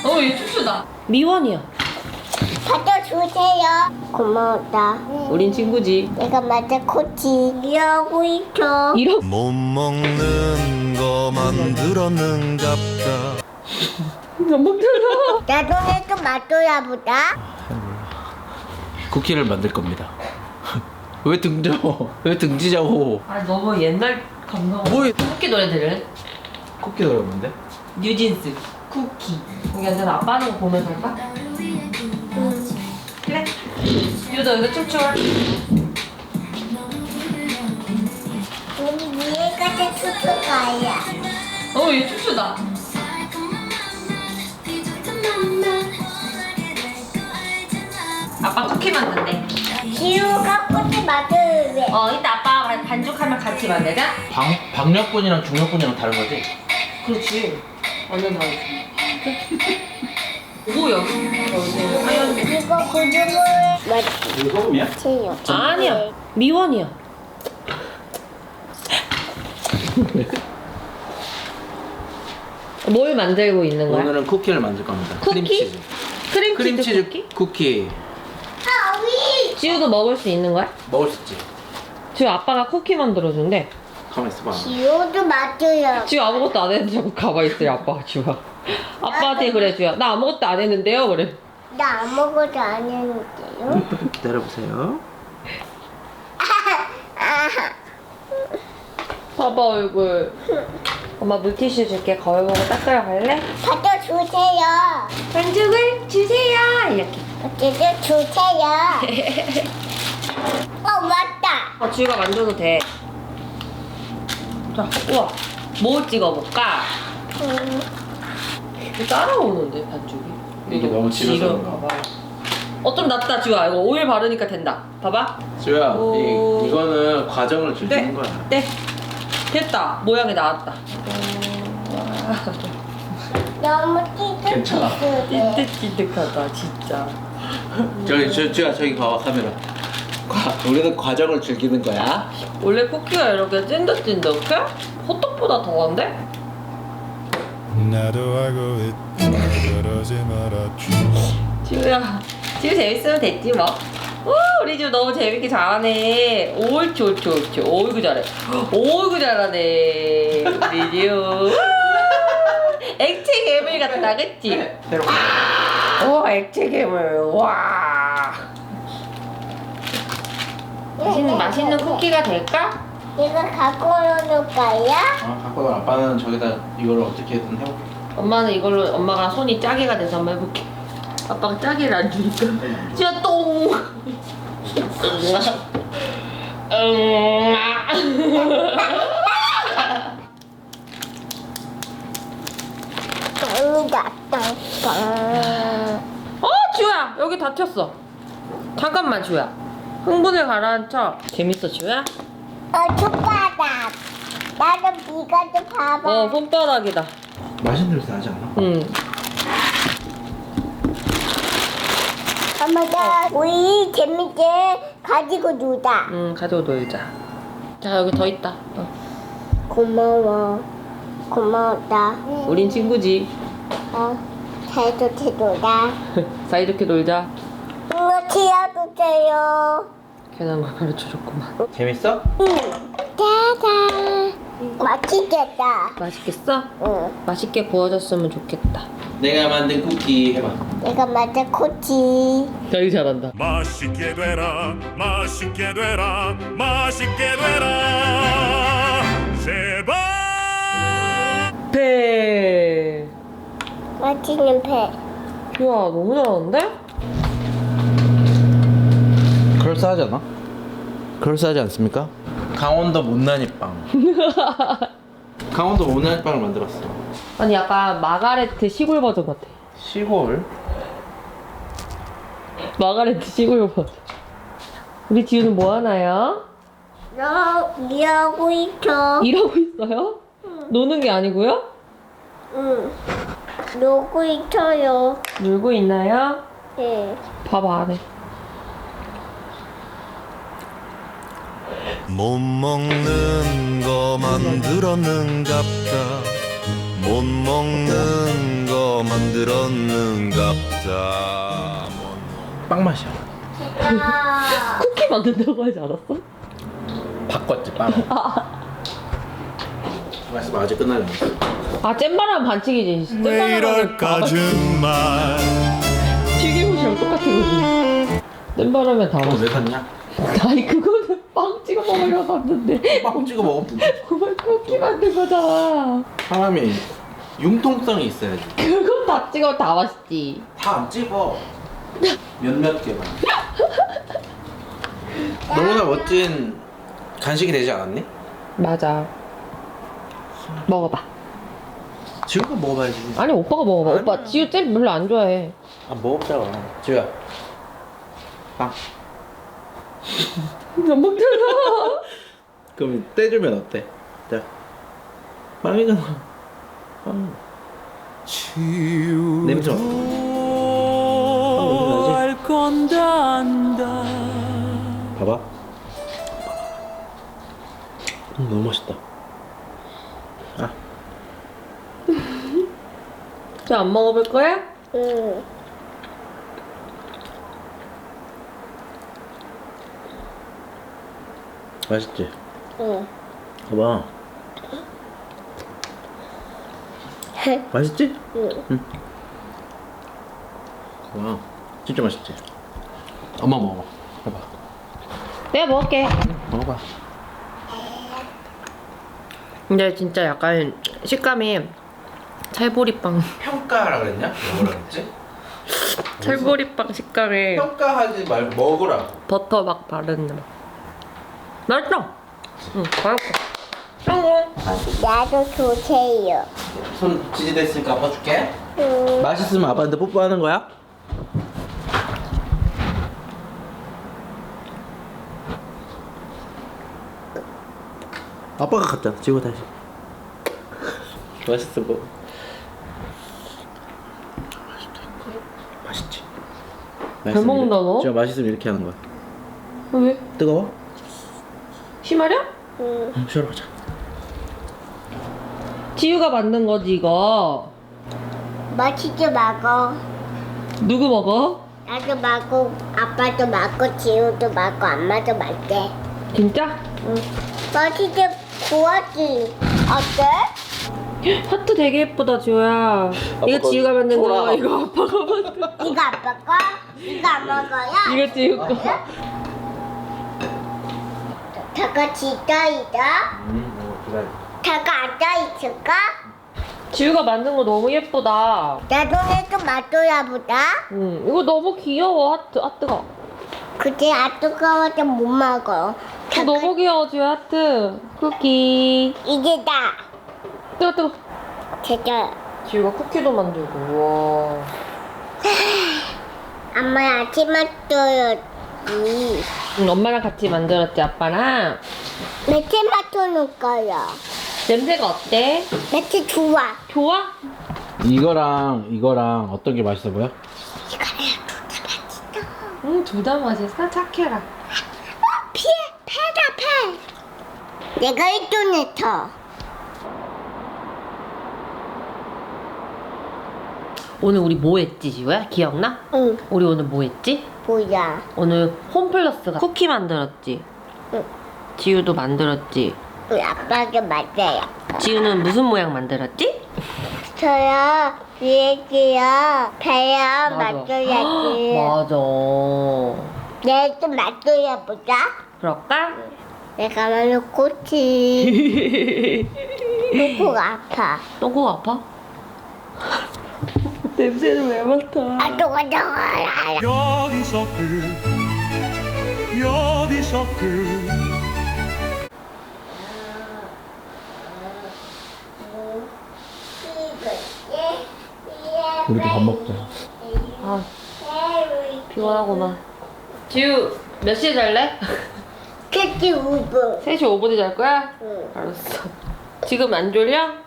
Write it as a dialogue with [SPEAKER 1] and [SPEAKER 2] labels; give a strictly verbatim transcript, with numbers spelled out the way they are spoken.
[SPEAKER 1] 어, 얘 춥추다.
[SPEAKER 2] 미원이야.
[SPEAKER 3] 받아주세요. 고마웠다.
[SPEAKER 2] 우린 친구지.
[SPEAKER 3] 내가 맞아 코치 이러고 있어.
[SPEAKER 2] 이러.
[SPEAKER 4] 못 먹는 거 만들었는갑다.
[SPEAKER 2] 안 먹잖아.
[SPEAKER 3] 나중에 또 맛줘야 보다.
[SPEAKER 5] 쿠키를 만들 겁니다. 왜 등져? 왜 등지자고?
[SPEAKER 1] 아, 너무 옛날 감성.
[SPEAKER 5] 뭐
[SPEAKER 1] 쿠키 노래 들을?
[SPEAKER 5] 쿠키 어려운데?
[SPEAKER 1] 뉴진스 쿠키. 여기 앉아서 아빠 하는 거 보면서 할까? 그래. 유도 여기서 춤춰.
[SPEAKER 3] 우리 위에까지 춤출 거야.
[SPEAKER 1] 어, 얘 춤추다. 아빠 쿠키 만든대.
[SPEAKER 3] 지우가 코치 만들래.
[SPEAKER 1] 어, 이따 아빠 반죽하면 같이 만들자.
[SPEAKER 5] 방 박력분이랑 중력분이랑 다른 거지?
[SPEAKER 1] 그렇지. 완전 다르지. 오, 여기. 여기 하얀.
[SPEAKER 3] 이거 고등어 맛.
[SPEAKER 5] 이거 소금이야?
[SPEAKER 3] 채요.
[SPEAKER 2] 아니야. 미원이야. 뭘 만들고 있는 거야?
[SPEAKER 5] 오늘은 쿠키를 만들 겁니다.
[SPEAKER 2] 쿠키?
[SPEAKER 5] 크림치즈.
[SPEAKER 2] 크림치즈,
[SPEAKER 5] 크림치즈
[SPEAKER 2] 쿠키?
[SPEAKER 5] 쿠키
[SPEAKER 3] 아, 위.
[SPEAKER 2] 지우도 먹을 수 있는 거야?
[SPEAKER 5] 먹을 수 있지.
[SPEAKER 2] 지우 아빠가 쿠키 만들어준대.
[SPEAKER 5] 가만 있어봐.
[SPEAKER 3] 지우도 맛줘요.
[SPEAKER 2] 지우 아무것도 안 했는데 자꾸 가만히 있어요, 아빠가 지우가. 아빠한테 그래, 지우야. 나 아무것도 안 했는데요, 그래.
[SPEAKER 3] 나 아무것도 안 했는데요.
[SPEAKER 5] 기다려보세요.
[SPEAKER 2] 봐봐, 얼굴. 엄마 물티슈 줄게. 거울 보고 닦으러 갈래?
[SPEAKER 3] 받아주세요.
[SPEAKER 2] 반죽을 주세요. 이렇게.
[SPEAKER 3] 어쨌든 주세요. 어, 맞다.
[SPEAKER 2] 어, 지우가 만져도 돼. 자, 우와. 뭐 찍어볼까?
[SPEAKER 3] 음,
[SPEAKER 2] 따라오는데, 반죽이.
[SPEAKER 5] 이게 너무 집에서
[SPEAKER 2] 지금
[SPEAKER 5] 그런가?
[SPEAKER 2] 봐봐. 어, 좀 낫다, 지우야. 이거 오일 바르니까 된다. 봐봐.
[SPEAKER 5] 지우야,
[SPEAKER 2] 오.
[SPEAKER 5] 이, 이거는 과정을
[SPEAKER 2] 네.
[SPEAKER 5] 즐기는 거야.
[SPEAKER 2] 네. 됐다. 모양이 나왔다.
[SPEAKER 3] 너무
[SPEAKER 5] 괜찮아.
[SPEAKER 3] 띠득띠득해.
[SPEAKER 2] 띠득띠득하다, 진짜.
[SPEAKER 5] 저기, 저, 지우야, 저기 봐봐, 카메라. 과, 우리는 과정을 즐기는 거야.
[SPEAKER 2] 원래 쿠키가 이렇게 찐득찐득해? 호떡보다 더한데?
[SPEAKER 4] 나도 알고 있다. 그러지 말아줘.
[SPEAKER 2] 지우야, 지우 재밌으면 됐지 뭐. 오, 우리 지우 너무 재밌게 잘하네. 옳지, 옳지, 옳지. 어이구 잘해. 어이구 잘하네. 우리 지우. 액체 괴물 같다, 그치?
[SPEAKER 5] 새로.
[SPEAKER 2] 오, 액체 괴물. 와. 맛있는, 맛있는 쿠키가 될까?
[SPEAKER 3] 이거 갖고 오는 거야?
[SPEAKER 5] 어, 갖고 와. 아빠는 저기다 이걸 어떻게든 해볼게.
[SPEAKER 2] 엄마는 이걸로 엄마가 손이 짜게가 돼서 한번 해볼게. 아빠가 짜게를 안 주니까. 지우야, 똥. 응.
[SPEAKER 3] 똥이다, 똥.
[SPEAKER 2] 어, 지우야, 여기 다쳤어. 잠깐만, 지우야. 흥분을 가라앉혀. 재밌어, 지우야?
[SPEAKER 3] 어, 손바닥. 나도 이거 좀 봐봐.
[SPEAKER 2] 어, 손바닥이다.
[SPEAKER 5] 맛있는 냄새 나지 않아?
[SPEAKER 2] 응.
[SPEAKER 3] 엄마가 우리 재밌게 가지고 놀자.
[SPEAKER 2] 응, 가지고 놀자. 자, 여기 더 있다. 어.
[SPEAKER 3] 고마워. 고마웠다.
[SPEAKER 2] 우린 친구지.
[SPEAKER 3] 어, 잘도 놀자.
[SPEAKER 2] 사이좋게 놀자.
[SPEAKER 3] 이거 키워주세요.
[SPEAKER 2] 괜한 걸 가르쳐줬구만.
[SPEAKER 5] 재밌어?
[SPEAKER 3] 응. 짜잔. 맛있겠다.
[SPEAKER 2] 맛있겠어?
[SPEAKER 3] 응.
[SPEAKER 2] 맛있게 구워졌으면 좋겠다.
[SPEAKER 5] 내가 만든 쿠키 해봐.
[SPEAKER 3] 내가 맞아 코치.
[SPEAKER 2] 되게 잘한다.
[SPEAKER 4] 맛있게 되라, 맛있게 되라, 맛있게 되라. 제발.
[SPEAKER 2] 배.
[SPEAKER 3] 맛있는 배.
[SPEAKER 2] 야, 너무 잘하는데?
[SPEAKER 5] 그럴싸하지 않아? 그럴싸하지 않습니까? 강원도 못난이 빵. 강원도 못난이 빵을 만들었어.
[SPEAKER 2] 아니, 약간 마가레트 시골 버전 같아.
[SPEAKER 5] 시골?
[SPEAKER 2] 마가레트 시골 버전. 우리 지우는 뭐 하나요?
[SPEAKER 3] 너 일하고 있어.
[SPEAKER 2] 일하고 있어요? 노는 게 아니고요?
[SPEAKER 3] 응. 놀고 있어요.
[SPEAKER 2] 놀고 있나요?
[SPEAKER 3] 네.
[SPEAKER 2] 밥 안 해.
[SPEAKER 4] 못 먹는 거 만들었는갑다. 못 먹는 거 만들었는갑다.
[SPEAKER 5] 빵 맛이야.
[SPEAKER 2] 쿠키 만든다고 하지 않았어?
[SPEAKER 5] 바꿨지 빵을. 말씀 아직 끝나지 않았어.
[SPEAKER 2] 아 잼바람 반칙이지.
[SPEAKER 4] 왜
[SPEAKER 2] 잼바람은
[SPEAKER 4] 이럴까 정말.
[SPEAKER 2] 튀김옷이랑 똑같은 거지. 잼바람에 다
[SPEAKER 5] 그거
[SPEAKER 2] 맛있어.
[SPEAKER 5] 왜 샀냐?
[SPEAKER 2] 아니 그거는 빵 찍어 먹으려고 샀는데
[SPEAKER 5] 빵 찍어 먹으면 된다.
[SPEAKER 2] 그걸 쿠키 만든 거잖아.
[SPEAKER 5] 사람이 융통성이 있어야지.
[SPEAKER 2] 그건 다 찍어 다 맛있지.
[SPEAKER 5] 다 안 찍어. 몇몇 개만. 너무나 멋진 간식이 되지 않았니?
[SPEAKER 2] 맞아. 먹어봐.
[SPEAKER 5] 지우가 먹어봐야지.
[SPEAKER 2] 아니 오빠가 먹어봐.
[SPEAKER 5] 아니야.
[SPEAKER 2] 오빠 지우 잼 별로 안 좋아해.
[SPEAKER 5] 아 먹어보자고. 지우야. 빵.
[SPEAKER 2] 안 먹잖아.
[SPEAKER 5] 그럼 떼주면 어때? 자. 빵이잖아. 빵. 냄새 어때?
[SPEAKER 4] 알 건다 안다.
[SPEAKER 5] 봐봐. 음, 너무 맛있다. 아.
[SPEAKER 2] 저 안 먹어볼 거야?
[SPEAKER 3] 응.
[SPEAKER 5] 맛있지?
[SPEAKER 3] 응.
[SPEAKER 5] 봐봐. 맛있지?
[SPEAKER 3] 응.
[SPEAKER 5] 와, 진짜 맛있지? 엄마 먹어. 해봐.
[SPEAKER 2] 내가 먹을게.
[SPEAKER 5] 먹어봐.
[SPEAKER 2] 근데 진짜 약간 식감이 찰보리빵.
[SPEAKER 5] 평가하라 그랬냐? 먹으라 그랬지?
[SPEAKER 2] 찰보리빵 식감에
[SPEAKER 5] 평가하지 말고 먹으라.
[SPEAKER 2] 버터 막 바르는 맛. 맛있어. 응, 맛있어. 성공.
[SPEAKER 3] 나도 주세요.
[SPEAKER 5] 손 지지됐으니까 아빠 줄게.
[SPEAKER 3] 응.
[SPEAKER 5] 맛있으면 아빠한테 뽀뽀하는 거야? 아빠가 갔잖아. 지고 다시. 맛있어 뭐. 맛있지.
[SPEAKER 2] 잘 먹는다, 너?
[SPEAKER 5] 진짜 맛있으면 이렇게 하는 거야.
[SPEAKER 2] 왜?
[SPEAKER 5] 뜨거워?
[SPEAKER 2] 심하려?
[SPEAKER 3] 응.
[SPEAKER 5] 응, 쉬러 가자.
[SPEAKER 2] 지우가 만든 거지 이거.
[SPEAKER 3] 맛있게 먹어.
[SPEAKER 2] 누구 먹어?
[SPEAKER 3] 나도 먹고, 아빠도 먹고, 지우도 먹고, 엄마도 먹게.
[SPEAKER 2] 진짜?
[SPEAKER 3] 응. 맛있게 구웠지. 어때?
[SPEAKER 2] 하트 되게 예쁘다 지우야. 이거
[SPEAKER 5] 거
[SPEAKER 2] 지우가 만든 거.
[SPEAKER 5] 돌아가.
[SPEAKER 2] 이거 아빠가 만든 거.
[SPEAKER 3] 이거 아빠 거? 이거 안 먹어요?
[SPEAKER 2] 이거 지우 거.
[SPEAKER 3] 다 같이 있어있어?
[SPEAKER 5] 응, 어, 기다려.
[SPEAKER 3] 다 앉아있을까?
[SPEAKER 2] 지우가 만든 거 너무 예쁘다.
[SPEAKER 3] 나중에 좀 맛줘야 보다.
[SPEAKER 2] 응, 이거 너무 귀여워 하트 하트가.
[SPEAKER 3] 그치, 안 뜨거워서 못 먹어.
[SPEAKER 2] 어, 너무 귀여워 지우 하트. 쿠키.
[SPEAKER 3] 이게 다.
[SPEAKER 2] 뜨거 뜨거.
[SPEAKER 3] 진짜.
[SPEAKER 2] 지우가 쿠키도 만들고. 우와.
[SPEAKER 3] 엄마 아침 맛줘야지.
[SPEAKER 2] 응, 엄마랑 같이 만들었지 아빠랑.
[SPEAKER 3] 며칠 맛줘놓을 거야.
[SPEAKER 2] 냄새가 어때?
[SPEAKER 3] 며칠 좋아.
[SPEAKER 2] 좋아?
[SPEAKER 5] 이거랑 이거랑 어떤 게 맛있어 보여?
[SPEAKER 2] 응, 둘 다 맛있어. 착해라.
[SPEAKER 3] 피해, 패다, 패. 내가 일존했어.
[SPEAKER 2] 오늘 우리 뭐 했지 지우야? 기억나?
[SPEAKER 3] 응,
[SPEAKER 2] 우리 오늘 뭐 했지?
[SPEAKER 3] 뭐야.
[SPEAKER 2] 오늘 홈플러스가 쿠키 만들었지.
[SPEAKER 3] 응.
[SPEAKER 2] 지우도 만들었지.
[SPEAKER 3] 우리 아빠가 맞아요.
[SPEAKER 2] 지우는 무슨 모양 만들었지?
[SPEAKER 3] 저요, 비행기요, 배요, 맞줘야지.
[SPEAKER 2] 맞아.
[SPEAKER 3] 내일 좀 맞줘야 보자.
[SPEAKER 2] 그럴까?
[SPEAKER 3] 내가 말로 코치. 코가 아파.
[SPEAKER 2] 똥꼬 아파? 냄새를 왜 맡아?
[SPEAKER 3] 아, 또가 나와라.
[SPEAKER 4] 여기서 끝 여기서 끝
[SPEAKER 5] 우리도 밥 먹자.
[SPEAKER 2] 아, 피곤하구만. 지우, 몇 시에 잘래?
[SPEAKER 3] 캐치 우브.
[SPEAKER 2] 세 시 오 분에 잘 거야?
[SPEAKER 3] 응.
[SPEAKER 2] 알았어. 지금 안 졸려?